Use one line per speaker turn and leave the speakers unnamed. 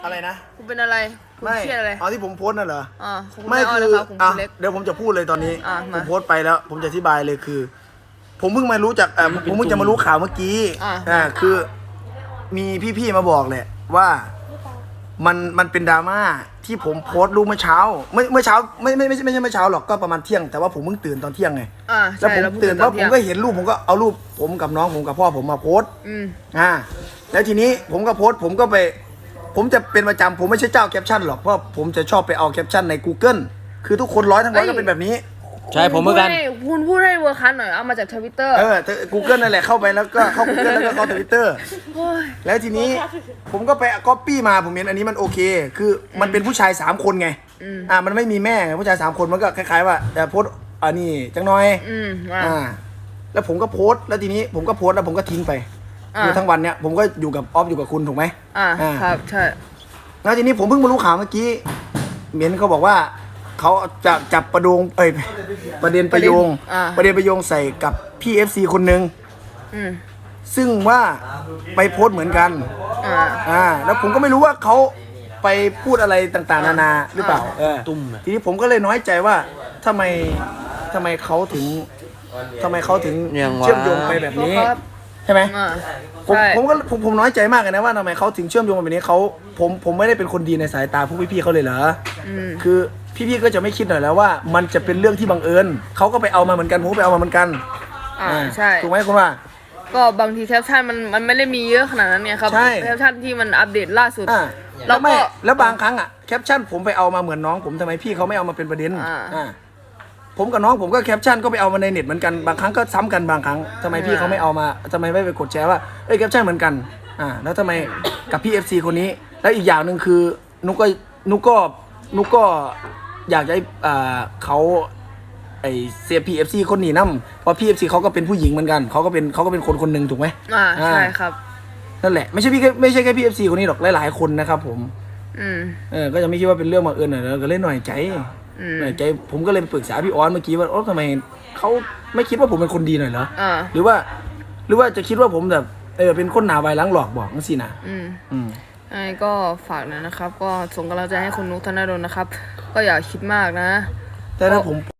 อะไรนะ
คุณเป็นอะไรคุณเครียดอะไร
ที่ผมโพสต์นั่นเหรอ
ไม่คือ
เดี๋ยวผมจะพูดเลยตอนนี้ผมโพสต์ไปแล้วผมจะอธิบายเลยคือ ผมเพิ่งมารู้จากผมเพิ่งจะมารู้ข่าวเมื่อกี้คือมีพี่ๆมาบอกแหละว่ามันเป็นดราม่าที่ผมโพสต์รูปเมื่อเช้าเมื่อเช้าไม่ใช่เมื่อเช้าหรอกก็ประมาณเที่ยงแต่ว่าผมเพิ่งตื่นตอนเที่ยงไงแล้วผมตื่นแล้วผมก็เห็นรูปผมก็เอารูปผมกับน้องผมกับพ่อผมมาโพสต์แล้วทีนี้ผมก็โพสต์ผมก็ไปผมจะเป็นประจำผมไม่ใช่เจ้าแคปชั่นหรอกเพราะผมจะชอบไปเอาแคปชั่นใน Google คือทุกคนทั้งร้อยก็เป็นแบบนี้
ใช่ผมเหมือนกัน
คุณพูดให้เวอร์คันหน่อยเอามาจาก Twitter
Google นั่นแหละเข้าไปแล้วก็เข้า Google แล้วก็เข้า Twitter แล้วทีนี้ผมก็ไปก๊อปปี้มาผมเห็นอันนี้มันโอเคคือมันเป็นผู้ชาย3คนไงมันไม่มีแม่ไงผู้ชาย3คนมันก็คล้ายๆว่าแต่โพสอันนี้จังน้อยแล้วผมก็โพสแล้วทีนี้ผมก็โพสแล้วผมก็ทิ้งไปคือทั้งวันเนี้ยผมก็อยู่กับออฟอยู่กับคุณถูกไหม
ครับใช่
แล้วทีนี้ผมเพิ่งมารู้ข่าวเมื่อกี้เมียนเขาบอกว่าเขาจะจับประเด็นประโยงใส่กับพี่ FC คนหนึ่งซึ่งว่าไปโพสเหมือนกันแล้วผมก็ไม่รู้ว่าเขาไปพูดอะไรต่างๆนานาหรือเปล่าทีนี้ผมก็เลยน้อยใจว่าทำไมเขาถึงเชื่อมโยงไปแบบนี้ใช่ไหมผมน้อยใจมากเลยนะว่าทำไมเขาถึงเชื่อมโยงแบบนี้ผมไม่ได้เป็นคนดีในสายตาพวกพี่ๆเขาเลยเหรอคือพี่ๆก็จะไม่คิดหน่อยแล้วว่ามันจะเป็นเรื่องที่บังเอิญเขาก็ไปเอามาเหมือนกันผมก็ไปเอามาเหมือนกัน
ใช่
ถูกไหมคุณว่า
ก็บางทีแคปชั่นมันไม่ได้มีเยอะขนาดนั้นเนี่ยครับแคปชั่นที่มันอัปเดตล่าสุด
แล้วบางครั้งแคปชั่นผมไปเอามาเหมือนน้องผมทำไมพี่เขาไม่เอามาเป็นประเด็นผมกับน้องผมก็แคปชั่นก็ไปเอามาในเน็ตเหมือนกันบางครั้งก็ซ้ำกันบางครั้งทำไมพี่เขาไม่เอามาทำไมไม่ไปกดแชร์ว่าแคปชั่นเหมือนกันแล้วทำไมกับพี่ FC คนนี้แล้วอีกอย่างหนึ่งคือนุกก็อยากจะให้เขาเสียพีเอฟซีคนนี้นั่มเพราะพีเอฟซีเขาก็เป็นผู้หญิงเหมือนกันเขาก็เป็นคนหนึ่งถูกไหม
ใช่ครับ
นั่นแหละไม่ใช่แค่พีเอฟซีคนนี้หรอกหลายๆคนนะครับผมก็จะไม่คิดว่าเป็นเรื่องบังเอิญหน่อยก็เล่นหน่อยใจผมก็เลยไปปรึกษาพี่ออนเมื่อกี้ว่าทำไมเขาไม่คิดว่าผมเป็นคนดีหน่อยเหรอหรือว่าจะคิดว่าผมแบบเป็นคนหนาไวล้างหลอกบอกนั่นสินะ
ก็ฝากนะครับก็ส่งกำลังใจให้คุณนุกธนดลนะครับก็อย่าคิดมากนะ
แต่ถ้าผม